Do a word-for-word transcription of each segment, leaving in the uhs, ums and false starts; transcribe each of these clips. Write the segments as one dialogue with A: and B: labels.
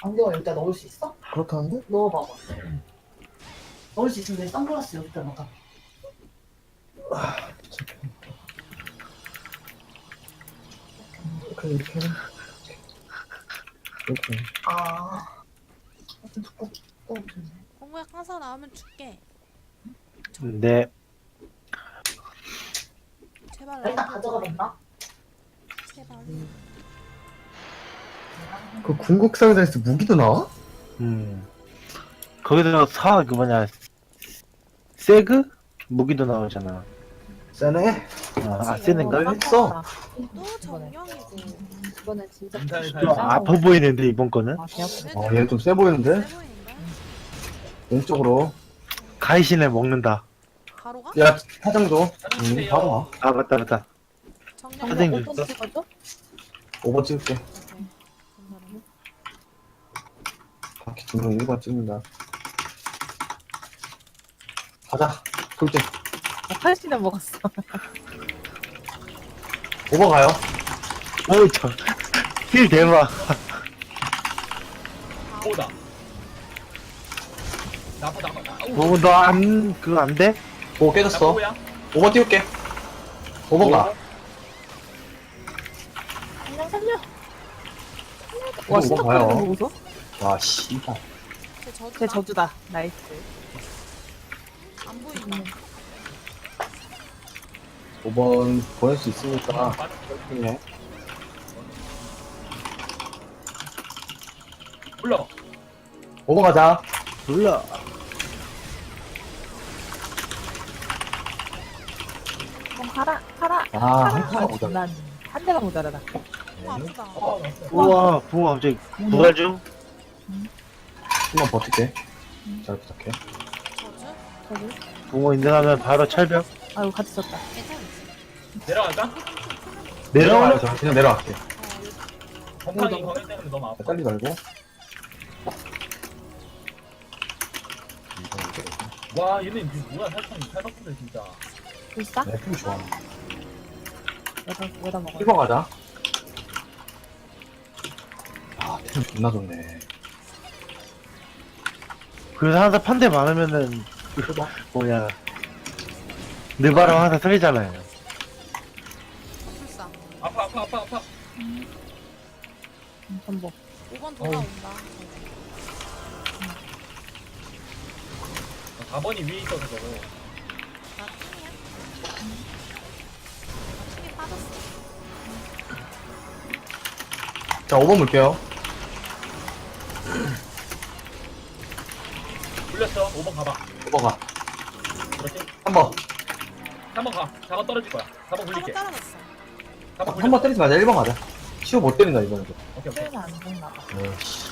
A: 안경을 여기다 넣을 수 있어?
B: 그렇다는데?
A: 넣어봐봐. 넣을 수 있으면 내 선글라스 여기다 넣어.
B: 이렇게 이렇게 이렇게.
A: 아. 좀 두꺼워. 두꺼워지네.
C: 공부에 가서 나오면 줄게.
D: 네.
C: 제발
A: 일단
C: 나오고.
A: 가져가 본다.
C: 제발.
B: 그 궁극 상자에서 무기도 나와?
D: 음. 거기서 사, 그 뭐냐, 세그? 무기도 나오잖아.
B: 세네.
D: 아, 아 세는가?
B: 했어.
C: 또 정령이고.
E: 이번엔 진짜
D: 좀 아파 보이는데, 이번 거는?
E: 아, 개 아프다.
B: 어, 얘는 좀 세 보이는데?
C: 세 보이는데?
B: 왼쪽으로.
D: 가이신을 먹는다.
C: 가로가?
B: 야, 사장 줘. 응, 바로 와.
D: 아, 맞다, 맞다.
C: 정령.
D: 선생님
E: 어떤
D: 줬어?
E: 찍어줘?
B: 오 번 찍을게.
C: 오케이. 감사합니다.
B: 바퀴 두명 일 번 찍는다. 가자. 돌진.
E: 아, 팔씨는 먹었어.
B: 오 번 가요.
D: 어이, 저, 힐 대박.
F: 오다. 나빠 나빠. 아우.
D: 뭐, 너 안, 그거 안 돼?
B: 오 깨졌어.
F: 나빠야.
B: 오 번 띄울게. 오 번 가.
E: 그냥 살려.
B: 오
E: 와,
B: 번
E: 시작
B: 가요.
E: 거리는 거 보소?
B: 와, 씨발.
C: 제 저주다.
E: 제 저주다. 나이스.
C: 안 보인다.
B: 오 번 보낼 수 있으니까. 네.
F: 불러.
B: 오 번 가자.
D: 몰라.
E: 어, 가라, 가라.
B: 아,
E: 가라.
B: 한 칸 오자.
E: 난한 대만 모자라다.
C: 어, 아프다.
D: 우와, 붕어 갑자기 부활 중?
B: 한번 버틸게. 잘 부탁해.
C: 저주?
E: 저기.
D: 붕어 인증하면 바로 철벽.
E: 아이고, 같이 썼다.
C: 괜찮지?
F: 내려갈까?
D: 내려와.
B: 내려가자. 그냥 내려갈게.
C: 어, 여기.
F: 건강이 건강 때문에 너무 아파.
B: 빨리 말고.
F: 와 얘네 이게 뭐야 살짝 살박기들 진짜.
E: 불사?
B: 네, 힘 좋아.
E: 여다, 여다 먹어.
B: 일 번 가자. 아, 템 존나 좋네.
D: 그래서 항상 판대 많으면은, 그, 뭐냐. 느바람 항상 틀리잖아요.
C: 불사.
F: 아파 아파 아파 아파.
E: 음, 전복.
C: 오 번 돌아온다.
F: 사 번이 위에 있어서 저거.
C: 나 킹이야? 나 킹이 빠졌어.
B: 자, 오 번 물게요.
F: 불렸어. 오 번 가봐.
B: 오 번 가.
F: 그렇지.
B: 삼 번.
F: 삼 번 가. 사 번 떨어질 거야. 사 번
C: 한번
F: 굴릴게.
C: 떨어졌어.
F: 사 번
B: 한 번 때리지 마자. 일 번 가자. 시호 못 때린다, 이번에도.
F: 오케이 오케이.
E: 표현은 안 죽나 봐.
B: 에이씨.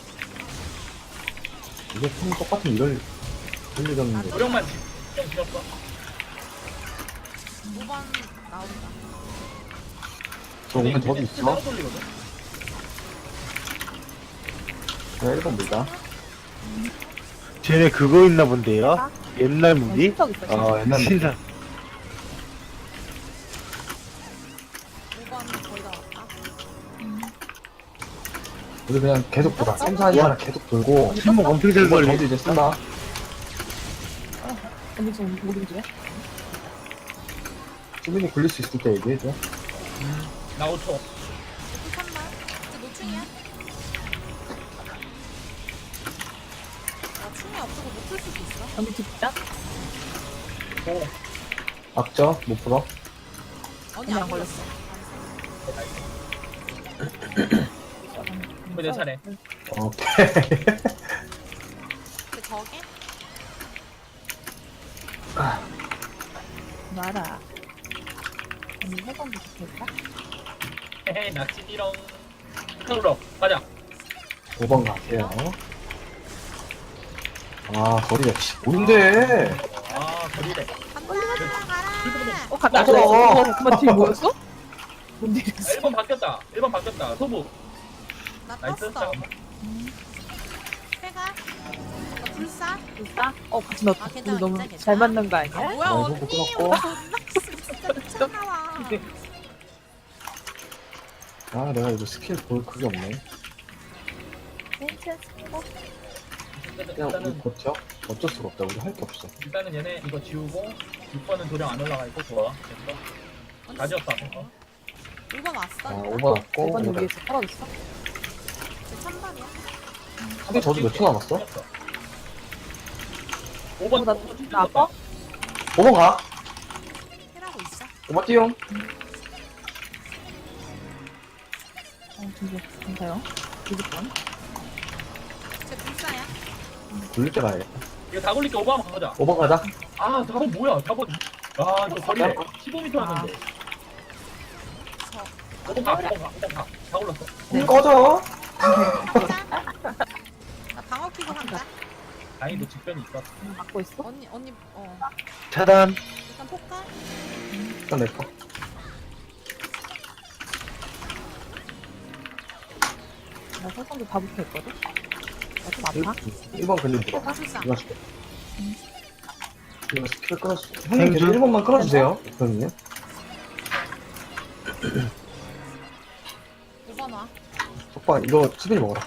B: 이게 템 똑같은 이럴, 이럴 리가 없는데.
F: 무력만 좀 길었어.
C: 오 번 나온다.
B: 저 오면 저기 있어.
F: 따로 돌리거든.
B: 내가 일 번 물자.
D: 쟤네 그거 있나 본데요? 옛날 무기?
E: 신석 있어. 신석.
B: 어, 옛날
D: 신사.
C: 오 번 거의 다 왔다.
B: 우리 그냥 계속 보자. 샘사하지마라 계속 돌고.
D: 신목 엄청 잘
B: 이번
D: 걸리.
B: 저도 이제 쓴다.
E: 언니 지금 모르는 중이야?
B: 수민이 굴릴 수 있을 때 얘기해줘.
F: 나 오 초.
C: 불산다. 이제 노충이야? 나 충이 없어서 못 풀 수도 있어.
E: 언니 집자?
B: 악저, 못 풀어.
C: 언니
E: 언니
C: 안
E: 안
C: 걸렸어.
F: 이거 내 차례.
B: 오케이.
C: 근데 저게?
E: 말아. 언니 해방도 좋겠다?
F: 헤헤 낚시비렁. 탕으로 가자.
B: 오 번 가세요. 아, 거리가, 씨, 뭔데?
F: 아 거리래.
C: 간다 가라.
E: 어, 갔다.
B: 맞아.
E: 어, 그만 뒤에 뭐였어? 뭔 일이었어?
F: 일 번 바뀌었다. 일 번 바뀌었다. 소부.
C: 나
F: 나이스.
C: 떴어.
F: 잠깐만.
C: 해가. 나 불사.
E: 불사? 어, 같이 넣었다.
C: 아, 괜찮아,
E: 우리 너무
C: 괜찮아,
E: 잘
C: 괜찮아.
E: 맞는 거
C: 아
E: 아니야?
C: 뭐야
B: 나
C: 언니
B: 이거
C: 오늘
B: 끊었고.
C: 존나 진짜 미쳤나봐.
B: 아, 내가 이거 스킬 볼 그게 없네.
E: 괜찮습니다.
F: 일단은,
B: 그냥 우리
F: 일단은,
B: 버텨? 어쩔 수가 없다. 우리 할 게 없어.
F: 일단은 얘네 이거 지우고 육 번은 도령 안 올라가 있고 좋아. 됐어. 다 지웠어. 앞에.
C: 일 번
B: 아,
C: 왔어.
B: 오 번 왔고.
E: 오 번 여기에서 떨어졌어?
C: 제 삼 번이야.
B: 근데 저도 몇 초 남았어?
F: 오 번.
E: 어, 나, 나 아파?
B: 오 번 가.
C: 힐하고 있어.
B: 오 번 띄용.
E: 어, 진짜 괜찮아요? 이십 번?
C: 제 불사야.
B: 굴릴 때 가야겠다.
F: 이거 다 굴릴게. 오 번 한번 가자.
B: 오 번 가자.
F: 아, 사 번 뭐야? 사 번. 아, 이거 거리네. 십오 미터였는데.
C: 저
F: 오 번 가, 오 번 가, 오 번 가. 다 올랐어.
E: 네.
B: 꺼져.
C: 한다. 나 방어 키고 한다.
F: 다행히도 직변이 있어.
E: 막고 있어?
C: 언니 언니 어
D: 차단.
C: 일단 폭가.
B: 일단 내 거.
E: 나 설정도 다 붙어 있거든? 나좀 아파?
B: 일 번 근데 들어.
C: 불사.
B: 이거 줄게. 이거 스킬 끊어줄게. 형님
D: 생주.
B: 계속 일 번만 끊어주세요. 형님.
C: 오 번 와.
B: 속박 이거 수빈이 먹어라.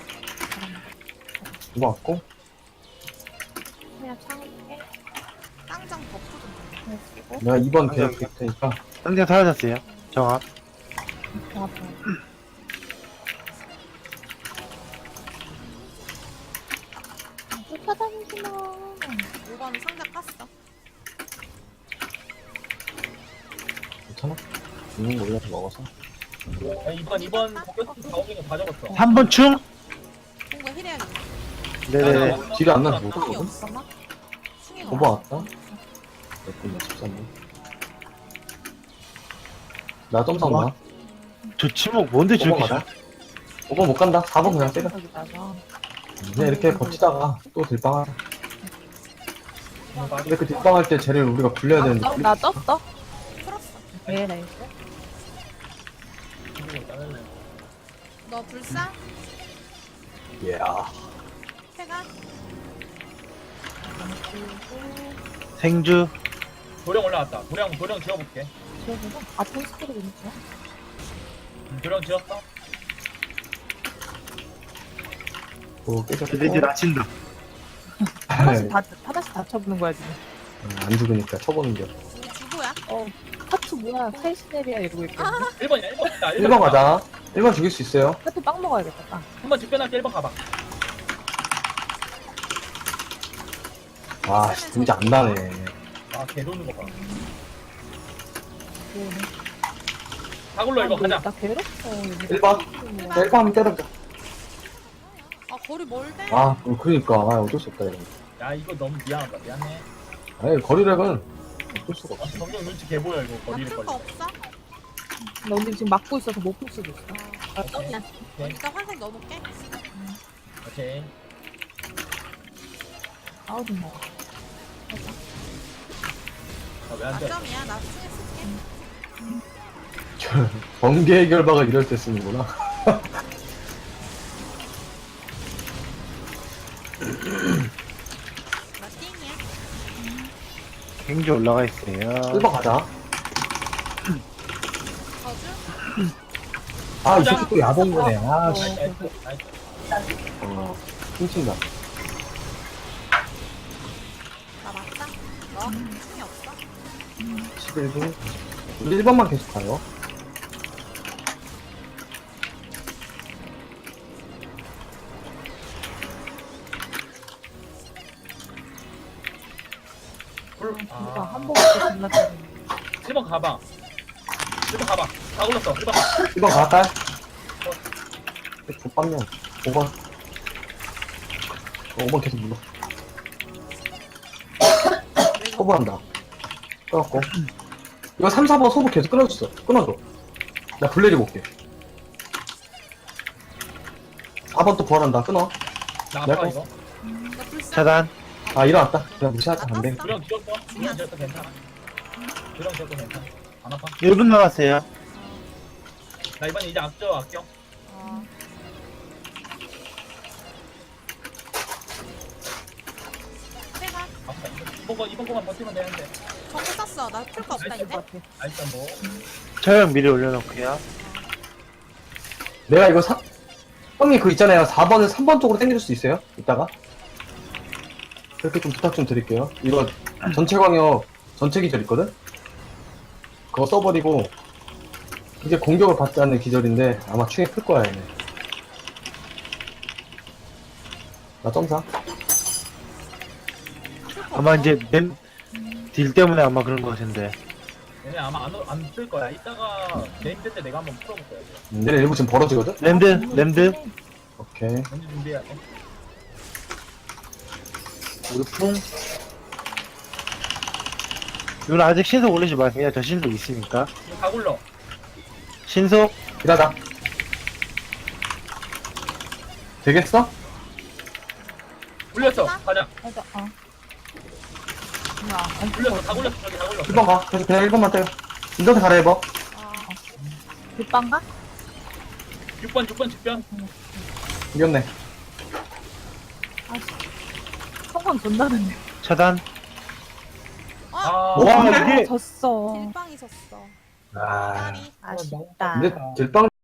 B: 이거 왔고.
E: 그냥 창에
C: 땅장 버프 좀.
E: 쓰고
B: 내가 이 번 계속 될 테니까.
D: 당장 사라졌어요. 정합.
E: 좀 아파. 쫓아다니지마.
C: 오 번 상자 깠어.
B: 괜찮아? 있는 거 올려서 먹어서.
F: 아, 이번, 이번 포켓스 다 오는 거다 적었어.
D: 삼 번 충.
C: 뭔가 힐해야겠다.
D: 네네.
B: 딜이 안 나서 못
C: 충이
B: 하거든?
C: 없어. 충이
B: 오 번 왔다. 됐군, 십삼 번. 나 점상 나.
D: 저 치목 뭔데
B: 오 번
D: 저렇게
B: 가자.
D: 잘?
B: 오 번 못 간다. 사 번 그냥 때려.
E: 여기다가
B: 그냥 이렇게 버티다가 또 딜빵하자. 근데 그 딜빵할 때 쟤를 우리가 굴려야 되는데.
E: 어, 나 떴어?
C: 풀었어.
E: 네, 나이스.
C: 너 불사?
B: 예.
C: 해가?
D: 생주.
F: 도령 올라왔다. 도령, 도령 지워볼게.
E: 지워보고 아픈 스킬이 괜찮아?
F: 음, 도령 지웠어?
B: 오, 깨졌고.
D: 드디어 낮친다.
E: 하나씩 다, 하나씩 다 쳐보는 거야, 지금.
B: 안 죽으니까 쳐보는 게.
C: 우리 주보야?
E: 어, 하트 뭐야, 사이시네리아 이러고 있거든.
F: 일 번이야, 일 번 있다.
B: 일 번 가자. 일 번 죽일 수 있어요.
E: 하트 빵 먹어야겠다, 빵.
F: 한 번 직변할게. 일 번 가봐.
B: 아, 씨, 진짜 안 나네.
F: 아, 개 도는 거 봐.
E: 그러네.
F: 다 굴러, 이거 가자.
E: 나 괴롭어.
B: 일 번. 자, 일 번 한번 때려보자.
C: 아 거리 멀대?
B: 아, 어, 그러니까. 아, 어쩔 수 없다, 이거.
F: 야, 이거 너무 미안하다. 미안해.
B: 아니, 거리력은 어쩔 수가
F: 아,
B: 없어.
F: 정경 눈치 개 보여, 이거. 거리를
C: 나풀 거
F: 걸려.
C: 없어?
E: 나 언니 지금 막고 있어서 못 풀 수도 있어.
C: 아,
E: 아, 떡이야.
F: 오케이.
C: 일단 환생 넣어놓게.
F: 오케이.
E: 아우, 좀 먹어.
F: 아, 왜 안 돼?
C: 나점이야. 나 충에 쓸게.
B: 번개 결박을 이럴 때 쓰는구나.
C: 나 띵이야.
D: 생주 올라가 있어요.
B: 일 번 가자.
C: 저주?
B: 아, 이 새끼 또 야본 거네. 아, 씨.
F: 나이스, 나이스, 나이스.
B: 어, 훔친다.
C: 나 맞다. 너 충이 없어?
B: 십일 분. 우리 일 번만 계속 가요.
F: 불.
E: 진짜
F: 아,
E: 한 번 먹고 존나 짜증나.
F: 일 번 가봐. 일 번 가봐. 다 굴렀어. 일 번 가.
B: 일 번 갈까요? 족밥면. 오 번. 어, 오 번 계속 눌러. 소부한다. 끊었고. 이거 삼, 사 번 소부 계속 끊어줬어. 끊어줘. 나 블레리 볼게. 사 번 또 부활한다. 끊어.
F: 나
B: 내
F: 아파,
B: 거.
F: 이거.
C: 나 불사?
D: 차단.
B: 아, 일어났다. 그냥 무시하자. 안 돼.
F: 도령 지웠어? 도령 지웠어. 괜찮아. 도령 지웠어. 괜찮아. 안 아파?
D: 일 분 남았어요.
F: 나 이번에 이제 앞져 아껴.
C: 어. 해가?
F: 아파. 이번 거, 이번 거만 버티면 되는데.
C: 정보 썼어. 나 풀 거 없다
F: 나이스.
C: 이제.
E: 것 같아.
F: 아, 일단 뭐.
D: 처형 미리 올려놓고요.
B: 내가 이거 사, 형님 그 있잖아요. 사 번을 삼 번 쪽으로 당겨줄 수 있어요? 이따가? 그렇게 좀 부탁 좀 드릴게요. 이거 전체 광역 전체 기절 있거든? 그거 써버리고 이제 공격을 받지 않는 기절인데 아마 충에 클 거야 얘네. 나 점사.
D: 아마 이제 램, 딜 때문에 아마 그런 거 같은데.
F: 얘네 아마 안안뜰 거야. 이따가 네임드 때 내가 한번 풀어볼 거야.
B: 음, 얘네 일부 지금 벌어지거든?
D: 램드, 램드.
B: 오케이.
F: 먼저 준비해야 돼.
D: 우르풍. 이건 아직 신속 올리지 마. 그냥 저 신속 있으니까.
F: 이거 다 굴러.
D: 신속.
B: 일하자. 되겠어?
F: 굴렸어. 가자.
E: 맞아, 어. 야, 안
F: 굴렸어. 다 굴렸어. 저기 다 굴렸어.
B: 일 번 가. 그래서 그냥 일 번만 때려. 인정해 가라 해봐.
C: 아,
E: 빗방가?
F: 육 번 육 번 직변.
B: 이겼네.
E: 성공 존나 됐네.
D: 차단.
F: 아.
D: 와,
E: 아,
D: 이게.
E: 졌어.
C: 딜빵 있었어.
B: 아.
C: 까리.
E: 아쉽다.
B: 근데 들빵